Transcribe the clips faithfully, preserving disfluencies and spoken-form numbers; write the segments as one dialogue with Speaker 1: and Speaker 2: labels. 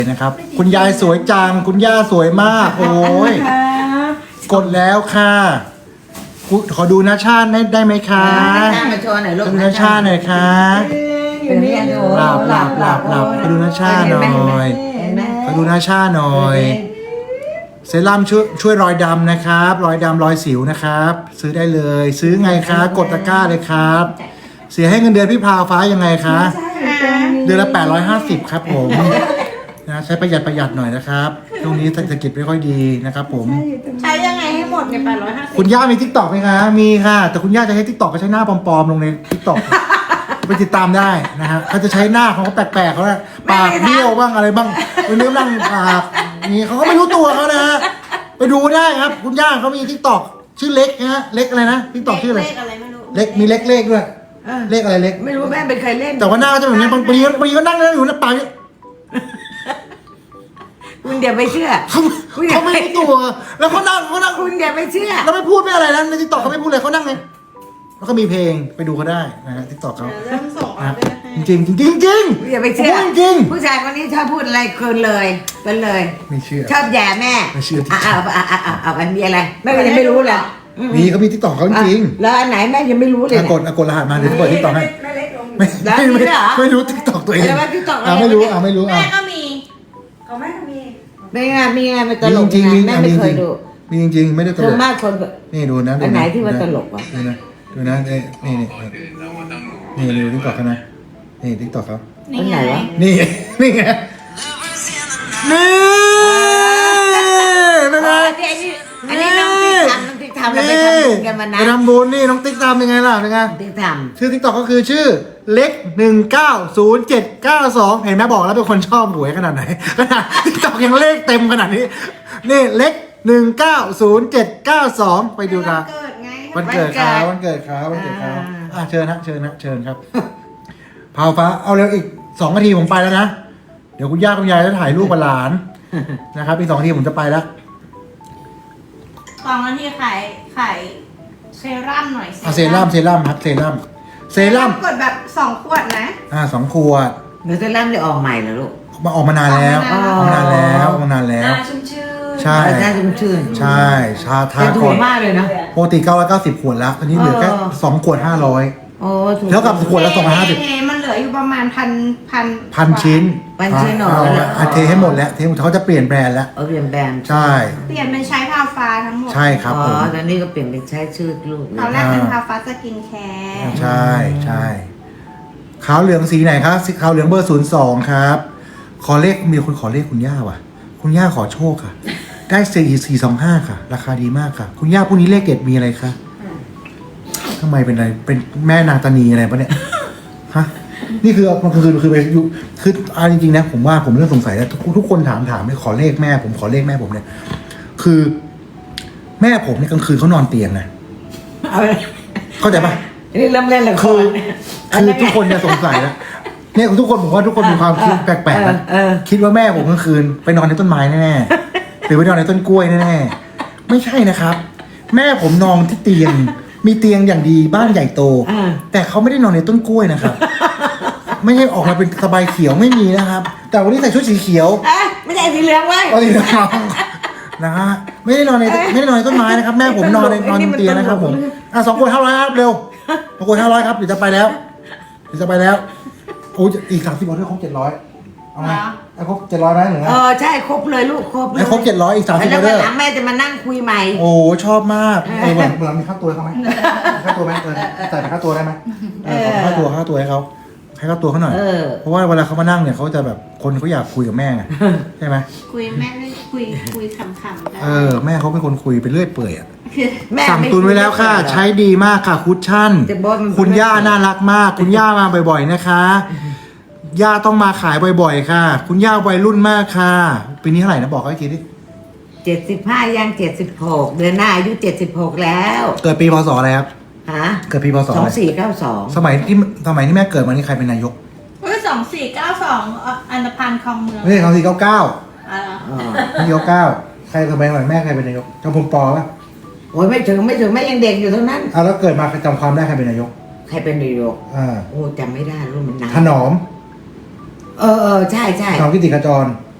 Speaker 1: นะครับคุณยายสวยจังคุณย่าสวยมากโอ้ยกดแล้วค่ะขอดูหน้าชาติได้ได้ไหมคะ
Speaker 2: มาโชว์หน่อยลูก
Speaker 1: ดูหน้าชาติหน่อยค่ะ
Speaker 2: อยู่นี่
Speaker 1: หลับหลับหลับหลับขอดูหน้าชาติหน่อยขอดูหน้าชาติหน่อยเซรั่มช่วยช่วยรอยดำนะครับรอยดำรอยสิวนะครับซื้อได้เลยซื้อไงคะกดตะกร้าเลยครับเสียให้เงินเดือนพี่พาวฟ้ายังไงคะเดือนละแปดร้อยห้าสิบครับผมนะใช้ประหยัดประหยัดหน่อยนะครับช่วงนี้เศรษฐกิจไม่ค่อยดีนะครับผม
Speaker 3: ใช้ยังไงให้หมดในแปดร้อยห้าสิบ
Speaker 1: คุณย่ามีทิกตอกไหมคะมีค่ะแต่คุณย่าจะใช้ทิกตอกก็ใช้หน้าปลอมๆลงในทิกตอกไปติดตามได้นะฮะเขาจะใช้หน้าของเขาแปลกๆเขาเนี่ยปากเบี้ยวบ้างอะไรบ้างเป็นเรื่องนั่งปากนี่เขาก็ไม่รู้ตัวเขานะฮะไปดูได้ครับคุณย่าเขามีทิกตอกชื่อเล็กนะฮะเล็กอะไรนะทิกตอกชื่ออะไร
Speaker 3: เลขอะไรไม่รู้
Speaker 1: เล็กมีเล็กเลขด้วยเลขอะไรเล็ก
Speaker 2: ไม่รู้แม่เป็นใครเล่น
Speaker 1: แต่ว่าหน้าจะแบบนี้บางทีบางทีก็นั่งนั่งอยู่นะปาก
Speaker 2: คุณเดี๋ยวไปเชื่อ
Speaker 1: เขาไม่รู้ตัวแล้วเขานั่งเขานั่ง
Speaker 2: คุณเดี๋ยวไปเชื่อ
Speaker 1: แล้วไม่พูดไม่อะไรนะในทิกตอกเขาไม่พูดเลยเขานั่งไงแล้วก็มีเพลงไปดูเขาได้นะฮะทิกตอกเขา
Speaker 3: เริ่มส่งออเดอร์ให้
Speaker 1: จริงจริงจริงจริง
Speaker 2: อย่าไปเชื่อ
Speaker 1: จริง
Speaker 2: ผู้ชายคนนี้ชอบพูดอะไรเกินเลยเกินเลย
Speaker 1: ไม่เชื่อ
Speaker 2: ชอบแย่แม่
Speaker 1: ไม่เชื่อ
Speaker 2: อ่าอ่าอ่าอ่าอ่ามีอะไรแม่ยังไม่รู้เลย
Speaker 1: มีเขามีทิกตอกเขาจริง
Speaker 2: แล้วอันไหนแม่ยังไม่รู้เลย
Speaker 1: กดกดรหัสมาเดี๋ยวเปิดทิกตอกให้ไม่ไม่ไม่รู้ทิกตอกตัวเองอ่าไม่รู้อ่าไม่รู้อ่า
Speaker 3: แม่ก็มี
Speaker 2: เขาแม่ก็มีไม่ไงมีไงมันตลก
Speaker 1: จริง
Speaker 2: แม่ไม่เคยดู
Speaker 1: มีจริงๆไม่ได้ตลก
Speaker 2: มากคน
Speaker 1: นี่ดูนะ
Speaker 2: อันไหนที่ว่าตลกวะ
Speaker 1: ดูนะดูนะนี่นี่นี่นี่ดูทิกตอกเขานะนี่ทิกตอกเขา
Speaker 2: อันไหนวะ
Speaker 1: นี่นี่ไงนี่เป็นไง
Speaker 2: อันนี้น้องติ๊กทำน้องติ๊กทำเราไปทำบุญกันมานะ
Speaker 1: ไปทำบุญนี่น้องติ๊กทำยังไงล่ะเป็นไง
Speaker 2: ติ๊กทำ
Speaker 1: ชื่อติ๊กต็อกก็คือชื่อเล็กหนึ่งเก้าศูนย์เจ็ดเก้าสองเห็นไหมบอกแล้วเป็นคนชอบหวยขนาดไหนขนาดติ๊กต็อกยังเลขเต็มขนาดนี้นี่เล็กหนึ่งเก้าศูนย์เจ็ดเก้าสองไปดูกันวันเกิดเขาวันเกิดเขาวันเกิดเขาอ่ะเชิญนะเชิญนะเชิญครับพาวฟ้าเอาเร็วอีกสองนาทีผมไปแล้วนะเดี๋ยวคุณย่าคุณยายจะถ่ายรูปหลานนะครับอีกสองนาทีผมจะไปแล้ว
Speaker 3: สองนาทีขายขายเซรั่มหน่อย
Speaker 1: เซรั่มเซรั่มครับเซรั่มเซรั่ม
Speaker 3: กดแบบสองขวดนะ
Speaker 1: อ่าสองขวด
Speaker 2: เดี๋ยวเซรั่มจะออกใหม่เหรอลูก
Speaker 1: มาออกมานานแล้วออกมานานแล้วออกมานานแล้ว
Speaker 3: ชุ่มชื่น
Speaker 1: ใช่
Speaker 2: ใช่ชุ่มชื่น
Speaker 1: ใช่ชาทา
Speaker 2: ก่อนมากเลยนะ
Speaker 1: ปกติเก้าร้อยเก้าสิบขวดแล้วตอนนี้เหลือแค่สองขวดห้าร้อย
Speaker 2: โอ้
Speaker 1: แล้วกับขวดละสองร้อยห้าสิบ
Speaker 3: มันเหลืออยู่ประมาณพันพัน
Speaker 1: พันชิ้น
Speaker 2: พันชิ้นหน่
Speaker 1: อยเทให้หมดแล้วเทเขาจะเปลี่ยนแบรนด์แล้ว
Speaker 2: เออเปลี่ยนแบรนด์
Speaker 1: ใช่
Speaker 3: เปลี่ยนเป็นใช้พาฟ้าทั้งหมด
Speaker 1: ใช่ครับผม
Speaker 2: อ๋อตอนนี้ก็เปลี่ยนเป็นใช้ชื่อลูก
Speaker 3: ตอนแรกเป็นพาฟ้าสกินแคร์
Speaker 1: ใช่ใช่ขาวเหลืองสีไหนครับขาวเหลืองเบอร์ศูนย์สองครับขอเลขมีคนขอเลขคุณย่าว่ะคุณย่าขอโชคค่ะได้สี่สี่สองห้าค่ะราคาดีมากค่ะคุณย่าพวกนี้เลขเด็ดมีอะไรคะทำไมเป็นอะไรเป็นแม่นางตานีอะไรปะเนี่ยฮะนี่คือมันคือคือไปอยู่คือเอาจริงๆนะผมว่าผมเริ่มสงสัยแล้วทุกทุกคนถามถามเลยขอเลขแม่ผมขอเลขแม่ผมเนี่ยคือแม่ผมเนี่ยกลางคืนเขานอนเตียงไงเข้าใจปะ
Speaker 2: นี่เริ่มเล่นละคร
Speaker 1: คือทุกคนเนี่ยสงสัยแล้วเนี่ยทุกคนผมว่าทุกคนมีความคิดแปลกๆนะคิดว่าแม่ผมกลางคืนไปนอนในต้นไม้แน่ๆหรือไปนอนในต้นกล้วยแน่ๆไม่ใช่นะครับแม่ผมนอนที่เตียงมีเตียงอย่างดีบ้านใหญ่โตแต่เขาไม่ได้นอนในต้นกล้วยนะครับไม่ใช่ออกมาเป็นสบายเขียวไม่มีนะครับแต่วันนี้ใส่ชุดสีเขียว
Speaker 2: ไม่ใช่สีเหลืองไว้
Speaker 1: สีเหลืองนะฮะไม่ได้นอนในไม่ได้นอนในต้นไม้นะครับแม่ผมนอนในนอนเตียงนะครับผมอ่ะสองคนห้าร้อยครับเร็วสองคนห้าร้อยครับเดี๋ยวจะไปแล้วเดี๋ยวจะไปแล้วโอ้อีกสามสิบวันด้วยครบเจ็ดร้อยเอาไงไอ้ครบเจ็ดร้อยได้หรือไง
Speaker 2: เออใช่ครบเลยลูกครบเลย
Speaker 1: ไอ้ครบเจ็ดร้อยอีกสามสิบวันด้วย
Speaker 2: แล้วแม่จะมานั่งคุยใหม่
Speaker 1: โอ้ชอบมากเออเหมือนมีค่าตัวเขาไหมค่าตัวไหมเออจ่ายค่าตัวได้ไหมเออค่าตัวค่าตัวให้เขาให้ค่าตัวเขาหน่อยเพราะว่าเวลาเขามานั่งเนี่ยเขาจะแบบคนเขาอยากคุยกับแม่ไงใช่ไหม
Speaker 3: คุยแม่คุยคุยคำๆได้
Speaker 1: เออแม่เขาเป็นคนคุยไปเรื่อยเปื่อยอ่ะสั่งตุนไว้แล้วค่ะใช้ดีมากค่ะคุชชั่นคุณย่าน่ารักมากคุณย่ามาบ่อยๆนะคะย่าต้องมาขายบ่อยๆค่ะคุณย่าวัยรุ่นมากค่ะปีนี้เท่าไหร่นะบอกเขาอีกทีดิ
Speaker 2: เจ็ดสิบห้าย่างเจ็ดสิบหกเดือนหน้าอายุเจ็ดสิบหกแล้ว
Speaker 1: เกิดปีพศอะไรครับ
Speaker 2: ฮะ
Speaker 1: เกิดปีพศ
Speaker 2: สองสี่เก้าสอง
Speaker 1: สมัยที่สมัยที่แม่เกิดมานี่ใครเป็นนายก
Speaker 3: เฮ้ยสองสี่เก้าสองอันธพาลคลองเมือง
Speaker 1: ไม่ใช่สองสี่เก้าเก้า
Speaker 3: อ๋อ
Speaker 1: สี่เก้าเก้าใครสมัยหลังแม่ใครเป็นนายกจำพลปอป่ะ
Speaker 2: โอ้ยไม่ถึงไม่ถึงแม่ยังเด็กอยู่เท่านั้น
Speaker 1: อ่ะแล้วเกิดมาจำความได้ใครเป็นนายก
Speaker 2: ใครเป็นนายก
Speaker 1: อ่า
Speaker 2: โอ้จำไม่ได้รู้มันนาน
Speaker 1: ถนอม
Speaker 2: เออเออใช่ใช่
Speaker 1: ถนอมกิติขจร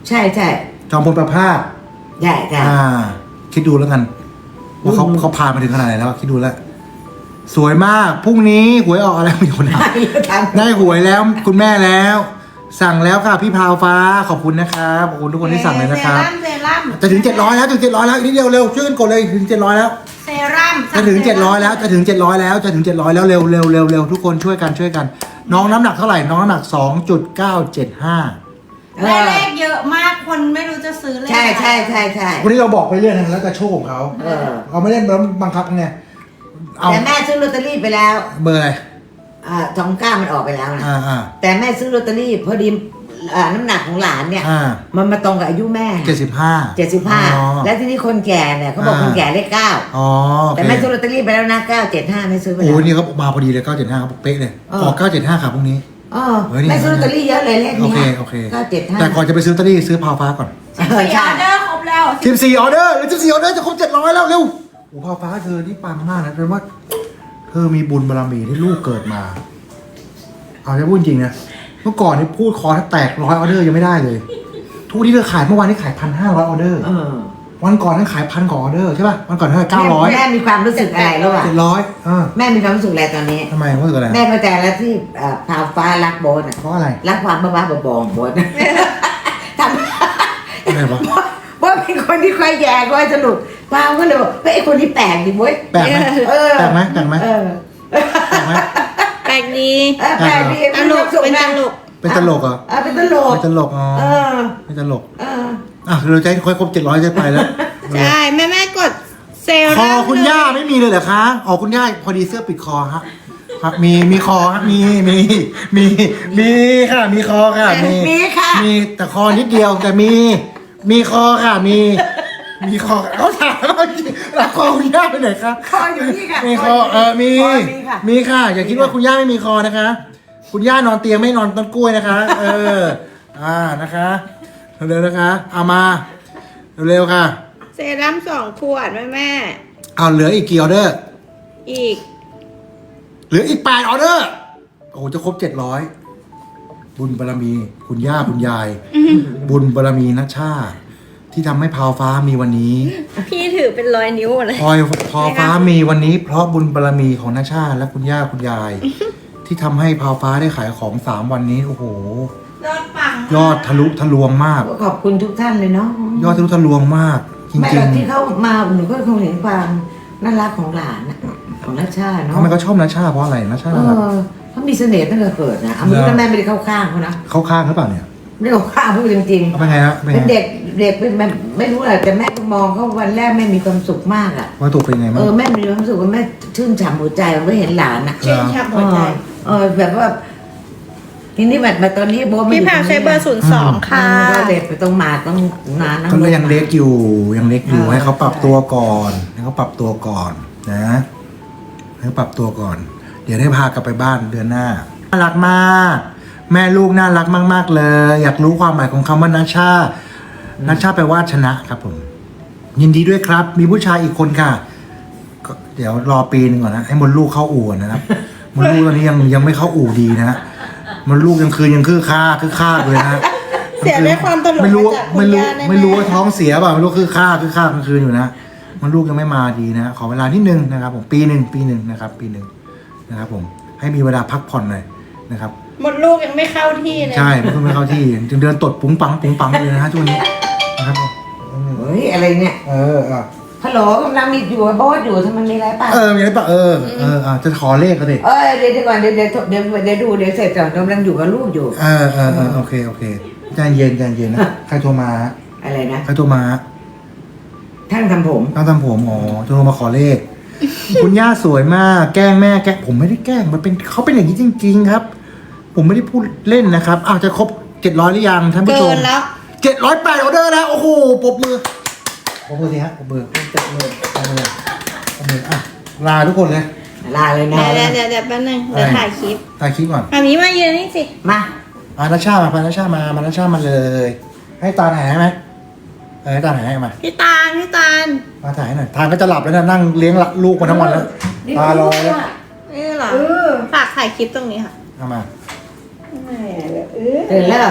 Speaker 2: ใช่ใช่
Speaker 1: จอมพลประภาส
Speaker 2: ใช่ใช่
Speaker 1: อ่า คิดดูแล้วกันว่าเขาเขาพามาถึงขนาดไหนแล้วคิดดูแล้ว สวยมากพรุ่งนี้หวยออกอะไรมีคนถามได้หวยแล้วคุณแม่แล้ว สั่งแล้วค่ะพี่พาวฟ้าขอบคุณนะครับขอบคุณทุกคนที่สั่งเลยนะครับ
Speaker 3: เซรั่มเซรั่ม
Speaker 1: จะถึงเจ็ดร้อยแล้วจะถึงเจ็ดร้อยแล้วอีกนิดเดียวเร็วช่วยกันกดเลยถึงเจ็ดร้อยแล้ว
Speaker 3: เซรั่ม
Speaker 1: จะถึงเจ็ดร้อยแล้วจะถึงเจ็ดร้อยแล้วจะถึงเจ็ดร้อยแล้วเร็วเร็วเร็วเร็วทุกคนช่วยกันช่วยกัน น้องน้ำหนักเท่าไหร่น้องน้ำหนักสองจุดเก้าเจ็ดห้า
Speaker 3: ได้เลขเยอะมากคนไม่รู้จะซื้อเลข
Speaker 2: ใช่ใช่ใช่ใช่
Speaker 1: วันนี้เราบอกไปเรื่อยนะแล้วแต่โชคของเขา
Speaker 2: เออ
Speaker 1: เราไม่ได้บังคับไงเอา
Speaker 2: แต่แม่ซื้อลอตเตอรี่ไปแล้ว
Speaker 1: เบอร์อะไร
Speaker 2: อ่าสองเก้ามันออกไปแล้วนะ
Speaker 1: อ่าอ่า
Speaker 2: แต่แม่ซื้อลอตเตอรี่พอดีอ่าน้ำหนักของหลานเนี่ย
Speaker 1: อ่า
Speaker 2: มันมาตรงกับอายุแม่
Speaker 1: เจ็ดสิบห้า
Speaker 2: เจ็ดสิบห้าแล้วที่นี่คนแก่เนี่ยเขาบอก
Speaker 1: อ่า
Speaker 2: คนแก่เลขเก้า
Speaker 1: อ๋อโอ
Speaker 2: แต่
Speaker 1: เค
Speaker 2: แม่ซื้อลอตเตอรี่ไปแล้วนะเก้าเจ็ดห้าไม่ซื้อไป
Speaker 1: โอ้
Speaker 2: แล้ว
Speaker 1: ยนี่เขามาพอดีเลยเก้าเจ็ดห้าเขาเป๊ะเลย
Speaker 2: เออ
Speaker 1: ออกเก้าเจ็ดห้าครับพรุ่งนี้
Speaker 2: เออ
Speaker 1: เฮ้ยนี่
Speaker 2: แม่ซื้อลอตเตอรี่เยอะเลยเลข
Speaker 1: โอ
Speaker 2: เนี้
Speaker 1: เคโอเค
Speaker 2: เก้าเจ็ดห้า
Speaker 1: แต่ก่อนจะไปซื้อลอตเตอรี่ซื้อพาวฟ้าก่อน
Speaker 2: เออ
Speaker 3: สี่อ
Speaker 2: ใช่
Speaker 3: อเดอร์ครบแล้ว
Speaker 1: สิบสี่ออเดอร์หรือสิบสี่ออเดอร์จะครบเจ็ดร้อยแล้วเร็วโอ้พาวฟ้าเธอที่ปังมากนะเป็นว่า เธอมีบุญบารมีที่ลูกเกิดมา เอาจะพูดจริงนะเมื่อก่อนนี่พูดคอถ้าแตกร้อยออเดอร์ยังไม่ได้เลย ทุกที่เธอขายเมื่อวานนี้ขายพันห้าร้อยออเดอร์
Speaker 2: เออ
Speaker 1: วันก่อนนั้นขายพันกว่าออเดอร์ใช่ป่ะวันก่อนเท่าไหร่เก้าร้อย
Speaker 2: แม่มีความรู้สึกอะไรรู้ป่ะ
Speaker 1: เจ็ดร้อยอ่า
Speaker 2: แม่มีความรู้สึกอะไรตอนนี้
Speaker 1: ทำไมว่าเกิดอะไร
Speaker 2: แม่เข้าใจแล้วที่เอ่อพาวฟ้ารักโบนอะ
Speaker 1: เพราะอะไร
Speaker 2: รักความบ้าๆบอๆของโบนทำ
Speaker 1: อะไรวะ
Speaker 2: โบนเป็นคนที่ค่อยแย่ค่อยสนุกพาวก็เลยบอกเฮ้ยไอ้คนนี้แปลกดิโว้ย
Speaker 1: แปลกไหม
Speaker 2: เออ
Speaker 1: แปลกไหมแปลกไหม
Speaker 2: เออ
Speaker 1: แปลกไหม
Speaker 3: แปลกดี
Speaker 2: เออแปลกดี
Speaker 3: ตลกเป็นตลก
Speaker 1: เป็นตลกเหรอ
Speaker 2: เออเป็นตลก
Speaker 1: เป็นตลกอ๋อ
Speaker 2: เออ
Speaker 1: เป็นตลก
Speaker 2: เออ
Speaker 1: อ่ะเราจะให้ค่อยครบเจ็ดร้อยจะไปแล้ว
Speaker 3: ใช่แม่แม่กดเซ
Speaker 1: คอ
Speaker 3: รั่ม
Speaker 1: คุณย่าไม่มีเลยเหรอคะอ๋อคุณย่าพอดีเสื้อปิดคอฮะครับมีมีคอฮะมีมีมีมีค่ะมีคอค่ะมี
Speaker 2: มีค่ะ
Speaker 1: มีแต่คอนิดเดียวแต่มี มีคอค่ะมี มีคอเขาถามว่าแล้วคอคุณย่าไปไหนครับ
Speaker 2: คออยู่นี่ค่ะ
Speaker 1: มีคอเออมี
Speaker 2: คอมีค่ะ
Speaker 1: มีค่ะ อย่าคิดว่าคุณย่าไม่มีคอนะคะ คุณย่านอนเตียงไม่นอนต้นกล้วยนะคะ เออ อ่านะคะเร็วๆนะคะเอามาเร็วๆค่ะ
Speaker 3: เซรั่มสองขวดแม่แม่
Speaker 1: เอาเหลืออีกกี่ออเดอร์
Speaker 3: อีก
Speaker 1: เหลืออีกแปดออเดอร์ โอ้โหจะครบเจ็ดร้อยบุญบารมี คุณย่าคุณยาย บุญบารมีนัชชา ที่ทำให้พาวฟ้ามีวันนี้
Speaker 3: พี่ถือเป็นร้อยนิ้วเลย
Speaker 1: พอยพอฟ้ามีวันนี้ เพราะบุญบารมีของนัชชา และคุณย่าคุณยาย ที่ทำให้พาวฟ้าได้ขายของสามวันนี้โอ้โห
Speaker 3: ยอดปัง
Speaker 1: ยอดทะลุทะลวงมาก
Speaker 2: ขอบคุณทุกท่านเลยเนาะ
Speaker 1: ยอดทะลุทะลวงมาก จ
Speaker 2: ไม่
Speaker 1: ริ
Speaker 2: หร
Speaker 1: ง
Speaker 2: อกที่เขามาหนูก็คงเห็นความน่ารักของหลานน่ะของนัชชา
Speaker 1: ๆ
Speaker 2: เนาะ
Speaker 1: ทำไมเขาชอบนัชชาเพราะอะไรนัชชา
Speaker 2: เอ
Speaker 1: น่ารัก
Speaker 2: อเขามีเสน่ห์ตั้งแต่เกิดนะเอามือแม่ไม่ได้เข้าข้างเขานะ
Speaker 1: เข้าข้างหรือเปล่าเนี่ย
Speaker 2: ไม่ได้เข้าข้างพูดจริง
Speaker 1: เอาเป็นไงฮะ
Speaker 2: ๆ
Speaker 1: เป็น
Speaker 2: เป็น
Speaker 1: ไง
Speaker 2: เด็กเด็กเป็นแบบไม่รู้แหละแต่แม่ก็มองเขาวันแรกแม่มีความสุขมากอ่ะ
Speaker 1: ว่าถูกเป็นไง
Speaker 2: เอ
Speaker 1: บ้าง
Speaker 2: อแม่มีความสุขว่าแม่ชื่นฉ่ำหัวใจไม่เห็นหลานอ่ะ
Speaker 3: ชื่นชับหัวใจ
Speaker 2: เออแบบว่าทีนี้แบบมาตอนนี้โบไม่
Speaker 3: พี่
Speaker 2: อยู่
Speaker 3: พาวใช้เบอร์ศูนย์สองค่ะ
Speaker 2: ก็เด็กไปต้องมาต้องนานนะ
Speaker 1: ก็ยังเล็กอยู่ยังเล็กอยู่
Speaker 2: เออ
Speaker 1: ให้เขาปรับตัวก่อนให้เขาปรับตัวก่อนนะให้เขาปรับตัวก่อน เดี๋ยวได้พากลับไปบ้านเดือนหน้าน่ารักมาก แม่ลูกน่ารักมาก ๆ เลย อยากรู้ความหมายของคำว่านัชชานัชชาแปลว่าชนะครับผม ยินดีด้วยครับ มีผู้ชายอีกคนค่ะก็เดี๋ยวรอปีนึงก่อนนะให้มดลูกเข้าอู่ก่อนนะครับมดลูกตอนนี้ยังยังไม่เข้าอู่ดีนะฮะมดลูกยังคืนยังคือค่าคือค่าเลยนะ
Speaker 3: เสียได้ความตลก
Speaker 1: ไม่รู้
Speaker 3: มาจากคุณ
Speaker 1: ไม่รู้
Speaker 3: ย่าแน่ๆ
Speaker 1: ไม่รู้ว่าท้องเสียเปล่าไม่รู้คือค่าคือค่ากลางคืนอยู่นะมันลูกยังไม่มาดีนะขอเวลานิดนึงนะครับผมปีหนึ่งปีหนึ่งนะครับ ปีหนึ่งนะครับผมให้มีเวลาพักผ่อนหน่อยนะครับ
Speaker 3: หมดลูกยังไม่เข้าที่เลย
Speaker 1: ใช่มันเพิ่งไม่เข้าที่จึงเดินตดปุ้งปังปุ้งปังเลยนะฮะช่วงนี้นะครับผม
Speaker 2: เฮ้ยอะไรเนี่ย
Speaker 1: เอออ่ะ
Speaker 2: ฮัลโหลกำลังมีอยู่โบสอยู่ทำไมมีอะไรป่ะ
Speaker 1: เออมีอะไรปะเออเอออ่ะจะขอเลขกันดิ
Speaker 2: เออเดี๋ยวเดี๋ยวก่อนเดี๋ยวเดี๋ยวเดี๋ยวเดี๋ยวดูเดี๋ยวเสร็จก่อนกำลังอยู่กับลูกอยู่
Speaker 1: เออเออเออโอเคโอเคใจเย็นใจเย็นนะใครโทรมาฮะ
Speaker 2: อะไรนะ
Speaker 1: ใครโทรมาฮะ
Speaker 2: ท่านทำผม
Speaker 1: ต้องทำผมอ๋อโทรมาขอเลข คุณย่าสวยมาก แกล้งแม่แกล้งผมไม่ได้แกล้งมันเป็นเขาเป็นอย่างนี้จริง ๆ ครับ ผมไม่ได้พูดเล่นนะครับอ้าวจะครบเจ็ดร้อยหรือยังท่านผู้ช
Speaker 3: เกิ
Speaker 1: ม
Speaker 3: นแล้ว
Speaker 1: เจ็ดร้อยแปดออเดอร์แล้วโอ้โหปรบมือปรบมือสิฮะปรบมือปรบมือปรบมือปรบมืออ่ะลาทุกคนเลย
Speaker 2: ลาเลยนะ
Speaker 3: เดี๋ยวเดี๋ยวเดี๋ยวแป๊บนึงเดี๋ยวถ่ายคลิป
Speaker 1: ถ่ายคลิปก่อน
Speaker 3: อันนี้มายืนนี่สิ
Speaker 2: มา
Speaker 1: อานาชามาพานาชามามานาชามาเลย ให้ตาถ่ายให้ไหมเออให้ตาถ่ายให้มา
Speaker 3: พี่ตาลพี่ตาล
Speaker 1: มาถ่ายให้หน่อยทานก็จะหลับแล้วนะนั่งเลี้ยงลูกมาทั้งวันแล้วตารอแล้ว
Speaker 3: นี่เหรอ
Speaker 2: เออ
Speaker 3: ฝากถ่ายคลิปตรงนี้ค่ะ
Speaker 1: เอามา
Speaker 2: ตื่นแล้วเหรอ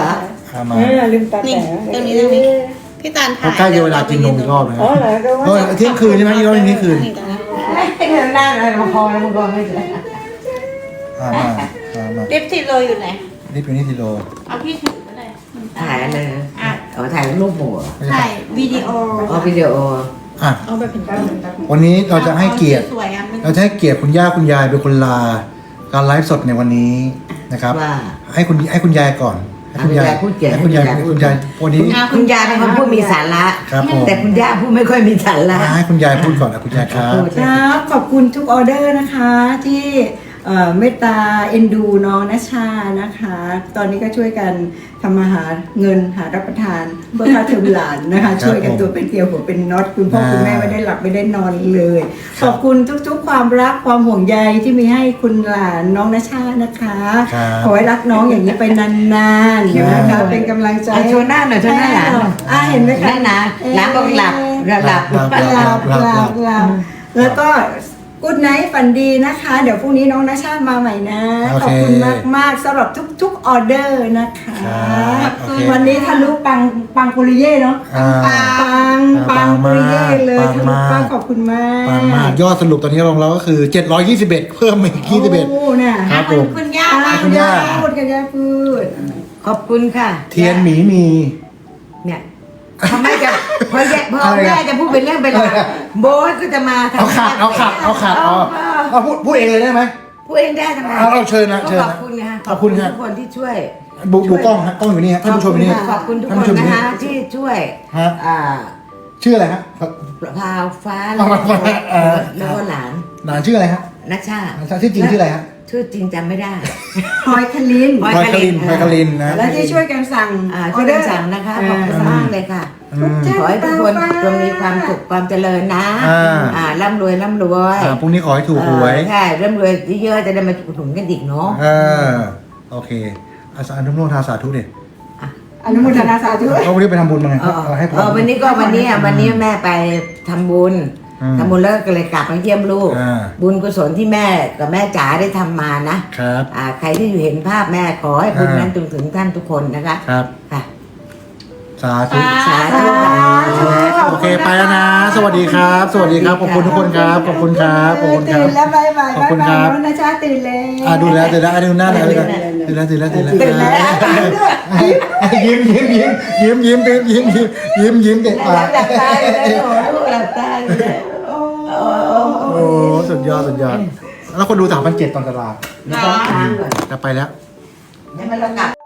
Speaker 1: อ่ะมา
Speaker 4: เออลืมตา
Speaker 3: นี่
Speaker 4: แต่
Speaker 3: ตรงนี้ตรงนี้พี่ตาลถ่าย
Speaker 1: เขาใกล้จะเวลากินนมอีกรอบแล้ว
Speaker 4: อ๋อเหรอก็
Speaker 1: เอ
Speaker 4: ว่า
Speaker 1: อเที่ยงคืนใช่ไหมอีกรอบนึงเที่ยงคืน
Speaker 3: นี่ตรงนี้
Speaker 2: เดินหน้าเลยมาพอแล้วมึงก็ไม่เจอ
Speaker 1: อ่ามามามา
Speaker 3: ลิปติดโรยอยู่ไหน
Speaker 1: นี่เป็นนี่ทีโล
Speaker 3: เอาพี่ถือก็ได้
Speaker 2: ถ่ายเลย
Speaker 3: อ่ะ
Speaker 2: เอาถ่ายรูปหมู่
Speaker 3: ถ่ายวิดีโอ
Speaker 2: เอาวิดีโอ
Speaker 1: อ่ะ
Speaker 4: เอาไปเป็นก้าวเป็นก้าว
Speaker 1: วันนี้เราจะให้เกียรติ
Speaker 3: สวยๆอ่ะมัน
Speaker 1: เราจะให้เกียรติคุณย่าคุณยายเป็นคนลา การไลฟ์สดในวันนี้นะครับ
Speaker 2: ว่า
Speaker 1: ให้คุณให้คุณยายก่อนให้คุณยาย
Speaker 2: ให้คุณยายพูดเกียรติ
Speaker 1: ให้คุณยาย
Speaker 2: ให้
Speaker 1: ให้
Speaker 2: คุ
Speaker 1: คุณ
Speaker 2: ณ
Speaker 1: ยาย
Speaker 2: ยาย
Speaker 1: วันนี้
Speaker 2: คุณยายเป็นคนพูดมีสาระ
Speaker 1: ครับผม
Speaker 2: แต่คุณย่าพูดไม่ค่อยมีสาระ
Speaker 1: อ่ะให้คุณยายพูดก่อนนะคุณยายครับ
Speaker 2: พูด
Speaker 4: ครับขอบคุณทุกออเดอร์นะคะที่เอ่อเมตตาเอ็นดูน้องนัชชานะคะ ตอนนี้ก็ช่วยกันทำอาหารเงินหารับประทานเพื่อค่าเทอมหลานนะคะ ช่วยกันตัวเป็นเกลียวหัวเป็นน็อตคุณพ่อคุณแม่ไม่ได้หลับไม่ได้นอนเลย ขอบคุณทุกๆ ความรักความห่วงใยที่มีให้คุณหลานน้องนัชชานะคะ
Speaker 1: ครับ
Speaker 4: ขอให้รักน้องอย่างนี้ไปนานๆนะคะเป็นกำลังใจ
Speaker 2: เอาโชว์หน้าหน่อยโชว์หน้าหลานหน่อย
Speaker 4: อ่าเห็นไหมคะ
Speaker 2: นั่นนะหลานบอกหลับหลับ
Speaker 1: หลับ
Speaker 4: หลับหลับหลับหลับแล้วก็กูดไนท์ฝันดีนะคะ เดี๋ยวพรุ่งนี้น้องนาชามาใหม่นะ
Speaker 1: โอเค
Speaker 4: ขอบคุณมากมากๆสำหรับทุกๆออเดอร์นะคะ
Speaker 1: ครับโอเค
Speaker 4: วันนี้ทะลุปังปังปุริเย่เนาะ
Speaker 1: อ่า
Speaker 4: ปังปังปุริเย่เลย
Speaker 1: ปัง
Speaker 4: ทะลุ
Speaker 1: มาก
Speaker 4: ปังขอบคุณมาก
Speaker 1: ปังมากยอดสรุปตอนนี้ลงเราก็คือเจ็ดร้อยยี่สิบเอ็ดเพิ่มมาอีกยี่สิบเอ็ด
Speaker 4: โอ้เนี่ย
Speaker 1: ครับผม
Speaker 3: คุณย่า
Speaker 4: อ่า
Speaker 3: บ้าง
Speaker 4: คุณย่าพูดกันย่าพูด
Speaker 2: ขอบคุณค่ะ
Speaker 1: เทียนหมีมี
Speaker 2: เนี่ยพอแม่จะพอแย่พอ
Speaker 1: อะไรอ่ะ
Speaker 2: แม่จะพูดเป็นเรื่องเป็นราวโบ๊ทก็จะมาทำ
Speaker 1: เอาขาดเอาขาดเอาขาดเอาเอาพูดพูดเองเลยได้ไหม
Speaker 2: พูดเองได้ทำไม
Speaker 1: เอาเอาเชิญนะเชิญ
Speaker 2: ข
Speaker 1: นะ
Speaker 2: อบคุณค่ะ
Speaker 1: ขอบคุณครับ
Speaker 2: ทุกคนที่ช่วย
Speaker 1: ดูดูกล้องฮะกล้องอยู่นี่ฮะท่านผู้ชมอยู่นี่
Speaker 2: ขอบคุณทุก
Speaker 1: ท่าน
Speaker 2: คน
Speaker 1: ผู้ชมอยู่
Speaker 2: นะ
Speaker 1: นี่
Speaker 2: คะที่ช่วย
Speaker 1: ฮะ
Speaker 2: อ่า
Speaker 1: ชื่ออะไรฮะ
Speaker 2: พาวฟ้า
Speaker 1: พราวฟ้าเอ่อ
Speaker 2: แล้วก็หลาน
Speaker 1: หลานชื่ออะไรฮะ
Speaker 2: นัชชา
Speaker 1: ชื่อจริงชื่ออะไรฮะ
Speaker 2: ชื่อจริงจำไม่ได้
Speaker 4: พลอยคลิน
Speaker 2: พลอย
Speaker 1: พลอยคลินพลอยคลินนะ
Speaker 4: และที่ช่วยกันสั่ง
Speaker 2: อ่าช่วยกันสั่งนะคะขอบคุณมากเลยค่ะ
Speaker 1: อืม
Speaker 2: ขอให้ทุกคนจงมีความสุขความเจริญนะ
Speaker 1: อ่า
Speaker 2: อ่าร่ำรวยร่ำรวย
Speaker 1: อ่าพรุ่งนี้ขอให้ถูกหวย
Speaker 2: เออใช่ร่ำรวยเยอะๆจะได้มาถุนกันอีกเนาะ
Speaker 1: เออโอเคอาสาอนุโมทนาสาธุเด็ด
Speaker 4: อนุโมทนาสาธุ
Speaker 1: เขาวันนี้ไปทำบุญมาไง
Speaker 2: เออ
Speaker 1: เอาให้พร
Speaker 2: เออวันนี้ก็วันนี้อ่ะวันนี้แม่ไปทำบุญ
Speaker 1: อืม
Speaker 2: ทำบุญแล้วก็เลยกลับมาเยี่ยมลูก
Speaker 1: อ่า
Speaker 2: บุญกุศลที่แม่กับแม่จ๋าได้ทำมานะครับ อ่าใครที่อยู่เห็นภาพแม่ขอให้บุญ
Speaker 1: อ่านั้
Speaker 2: นั้นจงถึงท่านทุกคนนะคะ
Speaker 1: ครับ
Speaker 2: ค่ะ
Speaker 1: สาธุ
Speaker 2: สาธุค่ะ
Speaker 1: โอเคไปแล้วนะ สวัสดีครับ สวัสดีครับขอบคุณทุกคนครับขอบคุณครับขอบคุณครั
Speaker 4: ตื่
Speaker 1: บ
Speaker 4: นแล้วบายบาย
Speaker 1: ขอบคุณ
Speaker 4: บาย
Speaker 1: ครับ
Speaker 4: บายนะจ๊ะตื่นแล้ว
Speaker 1: อ่าดูแล้วตื่นแล้วอ่ะดูหน้าหน่อยดูหน้าตื่นแล้วตื่นแล้วตื่นแล้ว
Speaker 4: ตื่นแล้ว
Speaker 1: ยิ้มยิ้มยิ้มยิ้มยิ้มยิ้มยิ้มยิ้มยิ้มยิ้มเด็ก
Speaker 2: ห
Speaker 1: ปา
Speaker 2: ลั
Speaker 1: ก
Speaker 2: บหลับตาอยู่เลยโอ้ลูกหลับตาอยู่เลย
Speaker 1: โอ้สุดยอดสุดยอดแล้วคนดูสามพันเจ็ดตอนตลาด
Speaker 2: ไม่ต้องค้างก่อน
Speaker 1: จะไปแล้ว
Speaker 2: เดี๋ยวมันเรากลับ